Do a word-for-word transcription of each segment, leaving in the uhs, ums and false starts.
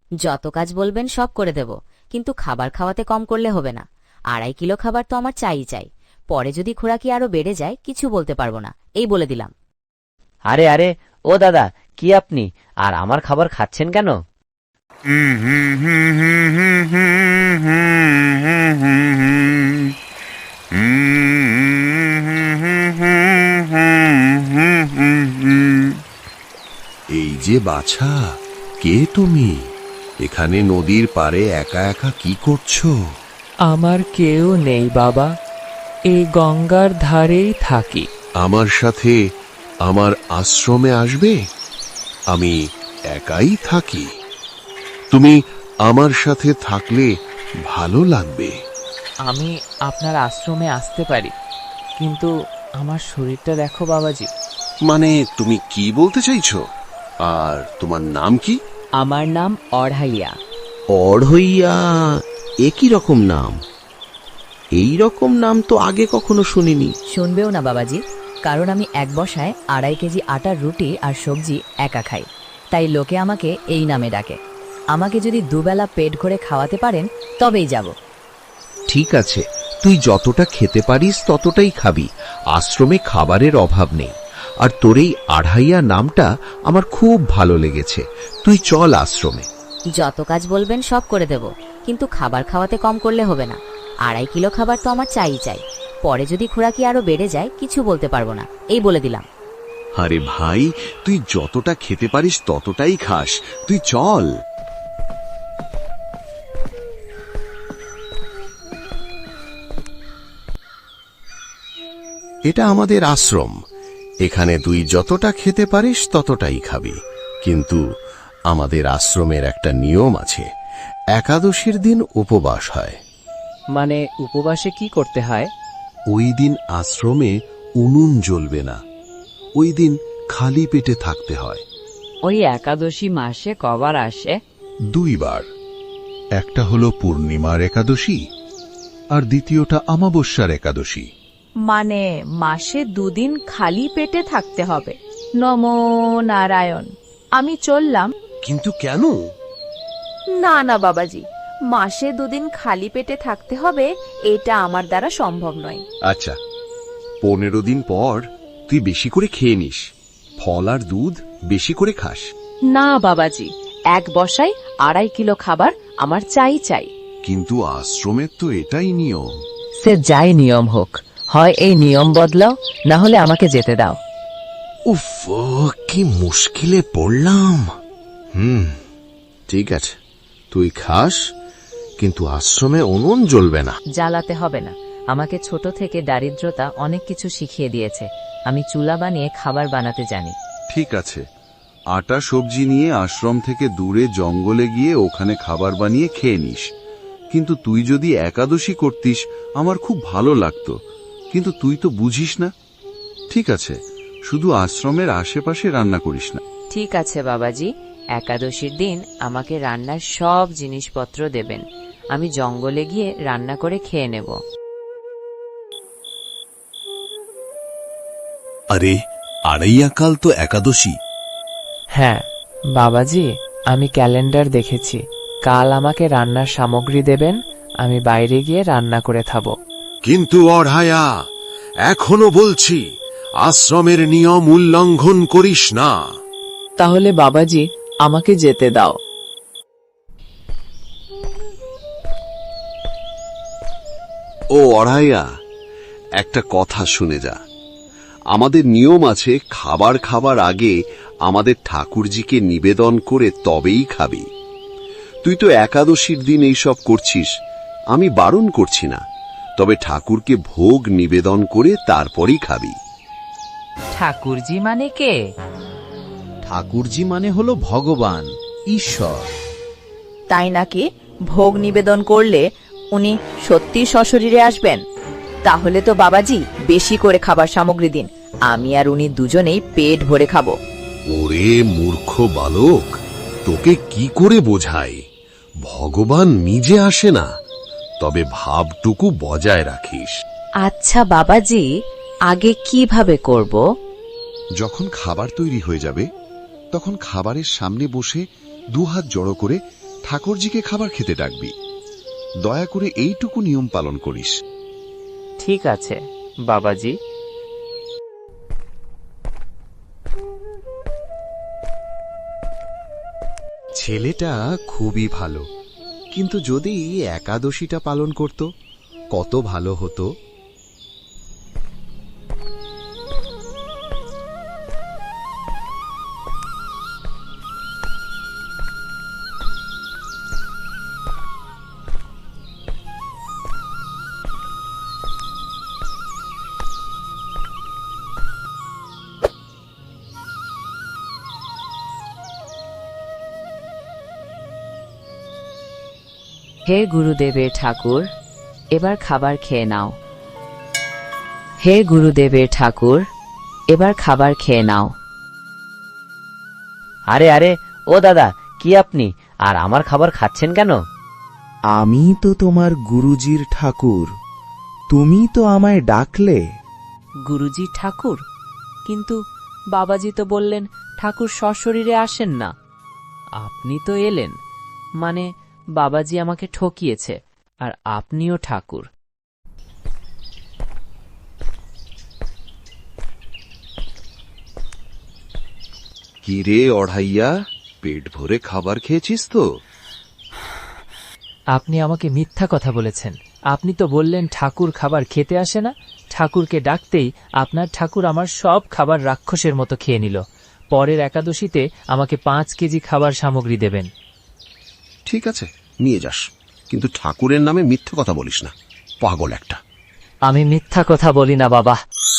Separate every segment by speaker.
Speaker 1: যত কাজ বলবেন সব করে দেব, কিন্তু খাবার খাওয়াতে কম করলে হবে না। আড়াই কিলো খাবার তো আমার চাই চাই। পরে যদি খোরাকি আরো বেড়ে যায় কিছু বলতে পারবো না, এই বলে দিলাম।
Speaker 2: আরে আরে ও দাদা, কি আপনি আর আমার খাবার খাচ্ছেন কেন?
Speaker 3: এই যে বাছা, কে তুমি? এখানে নদীর পাড়ে একা একা কি করছো?
Speaker 4: আমার কেউ নেই বাবা, এই গঙ্গার ধারেই থাকি।
Speaker 3: আমার সাথে আমার আশ্রমে আসবে? আমি একাই থাকি, তুমি আমার সাথে থাকলে ভালো লাগবে।
Speaker 4: আমি আপনার আশ্রমে আসতে পারি, কিন্তু আমার শরীরটা দেখো বাবাজি।
Speaker 3: মানে তুমি কি বলতে চাইছো? আর তোমার নাম কি?
Speaker 4: আমার নাম অড়হাইয়া।
Speaker 5: অড়হইয়া? একই রকম নাম, এই রকম নাম তো আগে কখনো শুনিনি।
Speaker 1: শুনবেও না বাবাজি, কারণ আমি এক বসায় আড়াই কেজি আটার রুটি আর সবজি একা খাই, তাই লোকে আমাকে এই নামে ডাকে। আমাকে যদি দুবেলা পেট ভরে খাওয়াতে পারেন তবেই যাব।
Speaker 5: ঠিক আছে, তুই যতটা খেতে পারিস ততটাই খাবি, আশ্রমে খাবারের অভাব নেই। আর তোর এই আড়হাইয়া নামটা আমার খুব ভালো লেগেছে, তুই চল আশ্রমে।
Speaker 1: যত কাজ বলবেন সব করে দেব, কিন্তু খাবার খাওয়াতে কম করলে হবে না। আড়াই কিলো খাবার তো আমার চাই চাই। পরে যদি খোরাকি আরো বেড়ে যায় কিছু বলতে পারবো না, এই বলে দিলাম।
Speaker 3: আরে ভাই, তুই যতটা খেতে পারিস ততটাই খাস, তুই চল। এটা আমাদের আশ্রম, এখানে তুই যতটা খেতে পারিস ততটাই খাবি। কিন্তু আমাদের আশ্রমের একটা নিয়ম আছে, একাদশীর দিন উপবাস হয়।
Speaker 4: মানে উপবাসে কি করতে হয়?
Speaker 3: ওই দিন আশ্রমে উনুন জ্বলবে না, ওই দিন খালি পেটে থাকতে হয়।
Speaker 6: ওই একাদশী মাসে কবার আসে?
Speaker 7: দুইবার, একটা হলো পূর্ণিমার একাদশী আর দ্বিতীয়টা অমাবস্যার একাদশী।
Speaker 6: মানে মাসে দুদিন খালি পেটে থাকতে হবে। নমো নারায়ণ, আমি চললাম।
Speaker 3: কিন্তু কেন?
Speaker 6: না না বাবাজি, মাসে দুদিন খালি পেটে থাকতে হবে এটা আমার দ্বারা সম্ভব নয়।
Speaker 3: আচ্ছা, পনেরো দিন পর তুই বেশি করে খেয়ে নিস, ফল আর দুধ বেশি করে খাস।
Speaker 6: না বাবাজি, এক বসায় আড়াই কিলো খাবার আমার চাই চাই।
Speaker 3: কিন্তু আশ্রমের তো এটাই নিয়ম।
Speaker 4: সে যাই নিয়ম হোক, হয় এই নিয়ম বদলাও, না হলে আমাকে যেতে দাও।
Speaker 3: উফ, কি মুশকিলে পড়লাম। হুম, ঠিক আছে, তুই খাস, কিন্তু আশ্রমে উনুন জ্বলবে না।
Speaker 1: জ্বালাতে হবে না, আমাকে ছোট থেকে দারিদ্রতা অনেক কিছু শিখিয়ে দিয়েছে। আমি চুলা বানিয়ে খাবার বানাতে জানি।
Speaker 7: ঠিক আছে, আটা সবজি নিয়ে আশ্রম থেকে দূরে জঙ্গলে গিয়ে ওখানে খাবার বানিয়ে খেয়ে নিস। কিন্তু তুই যদি একাদশী করতিস আমার খুব ভালো লাগতো, কিন্তু তুই তো বুঝিস না। ঠিক আছে, শুধু আশ্রমের আশেপাশে রান্না করিস না।
Speaker 6: ঠিক আছে বাবাজি, একাদশীর দিন আমাকে রান্নার সব জিনিসপত্র দেবেন, আমি জঙ্গলে গিয়ে রান্না করে খেয়ে নেব।
Speaker 3: আরে, আড়াইয়া কাল তো একাদশী।
Speaker 4: হ্যাঁ বাবাজি, আমি ক্যালেন্ডার দেখেছি, কাল আমাকে রান্নার সামগ্রী দেবেন, আমি বাইরে গিয়ে রান্না করে খাবো।
Speaker 3: কিন্তু অড়হায়া, এখনো বলছি, আশ্রমের নিয়ম উল্লঙ্ঘন করিস না।
Speaker 4: তাহলে বাবাজি আমাকে যেতে দাও।
Speaker 3: ও অড়হাইয়া, একটা কথা শুনে যা। আমাদের নিয়ম আছে, খাবার খাবার আগে আমাদের ঠাকুরজিকে নিবেদন করে তবেই খাবি। তুই তো একাদশীর দিন এইসব করছিস, আমি বারণ করছি না, তবে ঠাকুরকে ভোগ নিবেদন করে তারপরই খাবি।
Speaker 6: ঠাকুরজি মানে কে?
Speaker 5: ঠাকুরজি মানে হলো ভগবান, ঈশ্বর।
Speaker 6: তাই নাকি? ভোগ নিবেদন করলে উনি সত্যি সশরীরে আসবেন? তাহলে তো বাবাজি বেশি করে খাবার সামগ্রী দিন, আমি আর উনি দুজনেই পেট ভরে খাবো।
Speaker 3: ওরে মূর্খ বালক, তোকে কি করে বোঝাই? ভগবান নিজে আসে না, তবে ভাবটুকু বজায় রাখিস।
Speaker 6: আচ্ছা বাবাজি, আগে কিভাবে করব?
Speaker 7: যখন খাবার তৈরি হয়ে যাবে তখন খাবারের সামনে বসে দুহাত জড়ো করে
Speaker 3: ঠাকুরজিকে খাবার খেতে ডাকবি। দয়া করে এইটুকু নিয়ম পালন করিস।
Speaker 4: ঠিক আছে বাবাজি।
Speaker 8: ছেলেটা খুবই ভালো, কিন্তু যদি একাদশীটা পালন করত কত ভালো হতো।
Speaker 1: হে গুরুদেবের ঠাকুর, এবার খাবার খেয়ে নাও। হে গুরুদেবের ঠাকুর, এবার খাবার খেয়ে নাও।
Speaker 2: আরে আরে ও দাদা, কি আপনি আর আমার খাবার খাচ্ছেন কেন?
Speaker 9: আমি তো তোমার গুরুজির ঠাকুর, তুমি তো আমায় ডাকলে।
Speaker 4: গুরুজি ঠাকুর? কিন্তু বাবাজি তো বললেন ঠাকুর সশরীরে আসেন না। আপনি তো এলেন, মানে বাবাজি আমাকে ঠকিয়েছে, আর আপনিও ঠাকুর।
Speaker 3: কি রে অড়াইয়া, পেট ভরে খাবার খেয়েছিস তো?
Speaker 4: আপনি আমাকে মিথ্যা কথা বলেছেন। আপনি তো বললেন ঠাকুর খাবার খেতে আসে না। ঠাকুরকে ডাকতেই আপনার ঠাকুর আমার সব খাবার রাক্ষসের মতো খেয়ে নিল। পরের একাদশীতে আমাকে পাঁচ কেজি খাবার সামগ্রী দেবেন।
Speaker 3: ঠিক আছে, নিয়ে যাস, কিন্তু ঠাকুরের নামে মিথ্যে কথা বলিস না, পাগল একটা।
Speaker 4: আমি মিথ্যা কথা বলি না বাবা।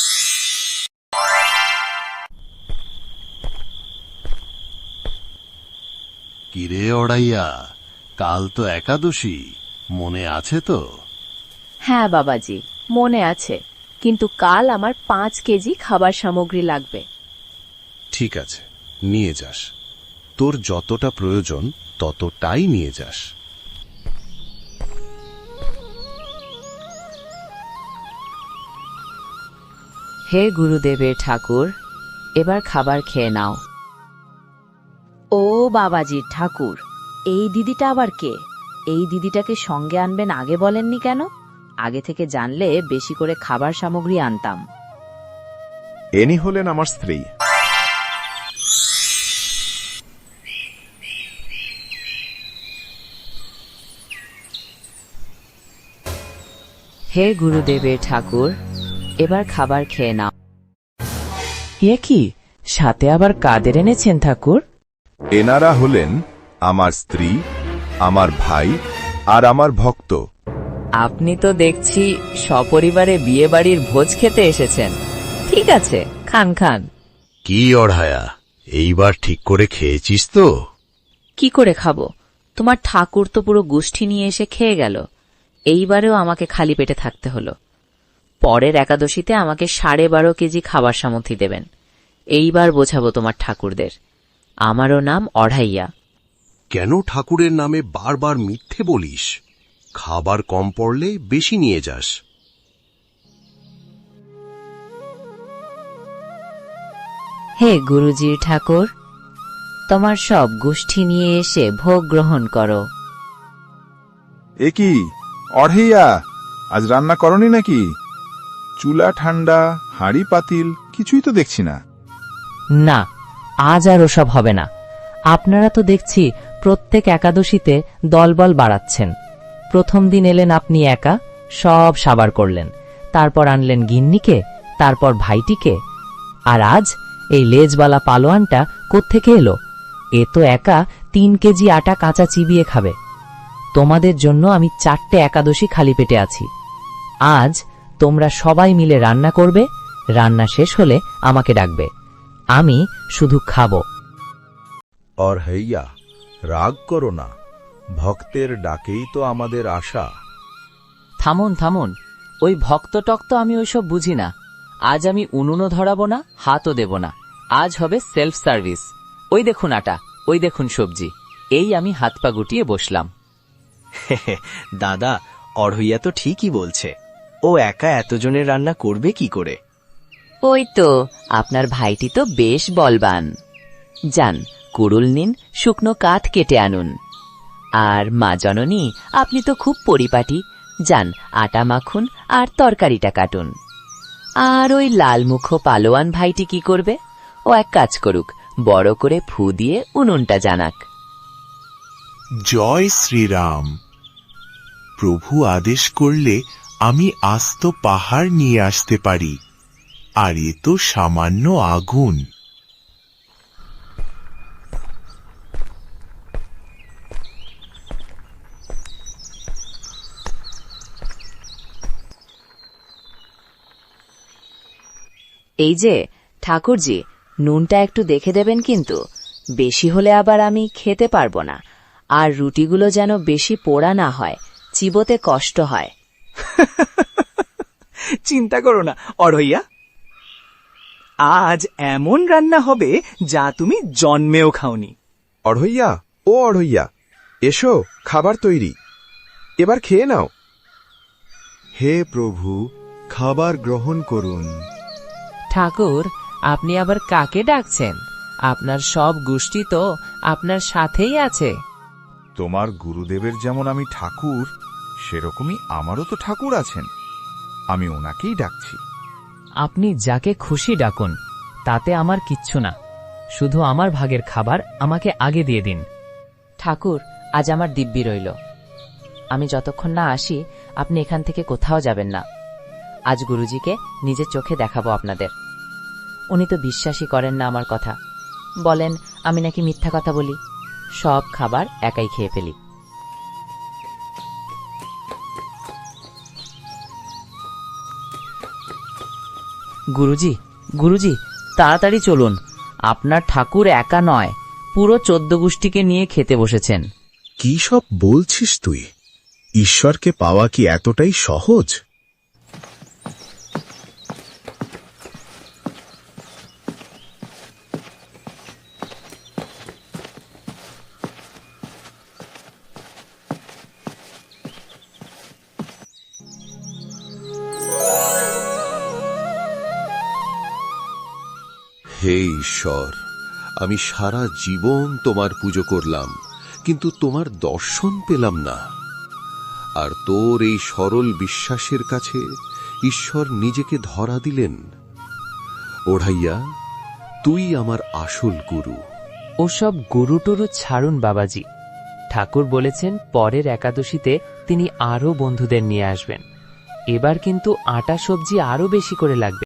Speaker 3: কিরে অড়াইয়া, কাল তো একাদশী, মনে আছে তো?
Speaker 6: হ্যাঁ বাবাজি, মনে আছে, কিন্তু কাল আমার পাঁচ কেজি খাবার সামগ্রী লাগবে।
Speaker 3: ঠিক আছে, নিয়ে যাস, তোর যতটা প্রয়োজন ততটাই নিয়ে যাস।
Speaker 1: হে গুরুদেবের ঠাকুর, এবার খাবার খেয়ে নাও।
Speaker 6: ও বাবাজির ঠাকুর, এই দিদিটা আবার কে? এই দিদিটাকে সঙ্গে আনবেন আগে বলেননি কেন? আগে থেকে জানলে বেশি করে খাবার সামগ্রী আনতাম।
Speaker 9: এনি হলেন আমার স্ত্রী।
Speaker 1: হে গুরুদেবের ঠাকুর, এবার খাবার খেয়ে নাও।
Speaker 4: এ কি, সাথে আবার কাদের এনেছেন ঠাকুর?
Speaker 9: এনারা হলেন আমার স্ত্রী, আমার ভাই আর আমার ভক্ত।
Speaker 1: আপনি তো দেখছি সপরিবারে বিয়ে বাড়ির ভোজ খেতে এসেছেন। ঠিক আছে, খান খান।
Speaker 3: কি অড়াইয়া, এইবার ঠিক করে খেয়েছিস তো?
Speaker 6: কি করে খাবো? তোমার ঠাকুর তো পুরো গোষ্ঠী নিয়ে এসে খেয়ে গেল। এইবারেও আমাকে খালি পেটে থাকতে হলো। পরের একাদশীতে আমাকে সাড়ে বারো কেজি খাবার সামগ্রী দেবেন। এইবার বোঝাবো তোমার ঠাকুরদের, আমারও নাম অড়াইয়া।
Speaker 3: কেন ঠাকুরের নামে বারবার মিথ্যে বলিস? খাবার কম পড়লে বেশি নিয়ে যাস।
Speaker 1: হে গুরুজির ঠাকুর, তোমার সব গোষ্ঠী নিয়ে এসে ভোগ গ্রহণ করো।
Speaker 10: এ কি অড়াইয়া, আজ রান্না করনি নাকি? চুলা ঠান্ডা, হাঁড়ি পাতিল কিছুই তো দেখছি না।
Speaker 4: না, আজ আর ওসব হবে না। আপনারা তো দেখছি প্রত্যেক একাদশীতে দলবল বাড়াচ্ছেন। প্রথম দিন এলেন আপনি একা, সব সাবার করলেন, তারপর আনলেন গিন্নিকে, তারপর ভাইটিকে, আর আজ এই লেজবালা পালোয়ানটা কোত্থেকে এলো? এ তো একা তিন কেজি আটা কাঁচা চিবিয়ে খাবে। তোমাদের জন্য আমি চারটে একাদশী খালি পেটে আছি। আজ তোমরা সবাই মিলে রান্না করবে, রান্না শেষ হলে আমাকে ডাকবে, আমি শুধু খাবো।
Speaker 9: অড়াইয়া, রাগ করো না, ভক্তের ডাকেই তো আমাদের আশা।
Speaker 4: থামুন থামুন, ওই ভক্ত টক্ত আমি ওইসব বুঝি না। আজ আমি উনুনও ধরাবো না, হাতও দেব না। আজ হবে সেলফ সার্ভিস। ওই দেখুন আটা, ওই দেখুন সবজি, এই আমি হাত পা গুটিয়ে বসলাম।
Speaker 11: দাদা, অড়হইয়া তো ঠিকই বলছে, ও একা এতজনের রান্না করবে কি করে?
Speaker 1: ওই তো আপনার ভাইটি তো বেশ বলবান। যান, কুড়ুল নিন, শুকনো কাঠ কেটে আনুন।
Speaker 4: আর মা জননী, আপনি তো খুব পরিপাটি, যান আটা মাখুন আর তরকারিটা কাটুন। আর ওই লালমুখো পালোয়ান ভাইটি কি করবে? ও এক কাজ করুক, বড় করে ফু দিয়ে উনুনটা জানাক।
Speaker 12: জয় শ্রীরাম। প্রভু আদেশ করলে আমি আস্ত পাহাড় নিয়ে আসতে পারি, আর এ তো সামান্য আগুন।
Speaker 1: এই যে ঠাকুরজি, নুনটা একটু দেখে দেবেন কিন্তু, বেশি হলে আবার আমি খেতে পারবো না। আর রুটিগুলো যেন বেশি পোড়া না হয়, চিবোতে কষ্ট হয়।
Speaker 11: চিন্তা করো না অড়ইয়া, আজ এমন রান্না হবে যা তুমি জন্মেও খাওনি।
Speaker 8: অড়হইয়া, ও অড়হইয়া, এসো, খাবার তৈরি, এবার খেয়ে নাও।
Speaker 9: হে প্রভু, খাবার গ্রহণ করুন।
Speaker 4: ঠাকুর, আপনি আবার কাকে ডাকছেন? আপনার সব গোষ্ঠী তো আপনার সাথেই আছে।
Speaker 10: তোমার গুরুদেবের যেমন আমি ঠাকুর, সেরকমই আমারও তো ঠাকুর আছেন, আমি ওনাকেই ডাকছি।
Speaker 4: আপনি যাকে খুশি ডাকুন, তাতে আমার কিচ্ছু না, শুধু আমার ভাগের খাবার আমাকে আগে দিয়ে দিন।
Speaker 1: ঠাকুর, আজ আমার দিব্যি রইল, আমি যতক্ষণ না আসি আপনি এখান থেকে কোথাও যাবেন না। আজ গুরুজিকে নিজের চোখে দেখাবো আপনাদের। উনি তো বিশ্বাসই করেন না আমার কথা, বলেন আমি নাকি মিথ্যা কথা বলি, সব খাবার একাই খেয়ে ফেলি।
Speaker 4: গুরুজি, গুরুজি, তাড়াতাড়ি চলুন, আপনার ঠাকুর একা নয়, পুরো চোদ্দ গোষ্ঠীকে নিয়ে খেতে বসেছেন।
Speaker 9: কি সব বলছিস তুই? ঈশ্বরকে পাওয়া কি এতটাই সহজ?
Speaker 3: হে ঈশ্বর, আমি সারা জীবন তোমার পুজো করলাম, কিন্তু তোমার দর্শন পেলাম না। আর তোর এই সরল বিশ্বাসের কাছে ঈশ্বর নিজেকে ধরা দিলেন। ওড়াইয়া, তুই আমার আসল গুরু।
Speaker 4: ওসব গুরু টুরু ছাড়ুন বাবাজি, ঠাকুর বলেছেন পরের একাদশীতে তিনি আরো বন্ধুদের নিয়ে আসবেন। এবার কিন্তু আটা সবজি আরো বেশি করে লাগবে।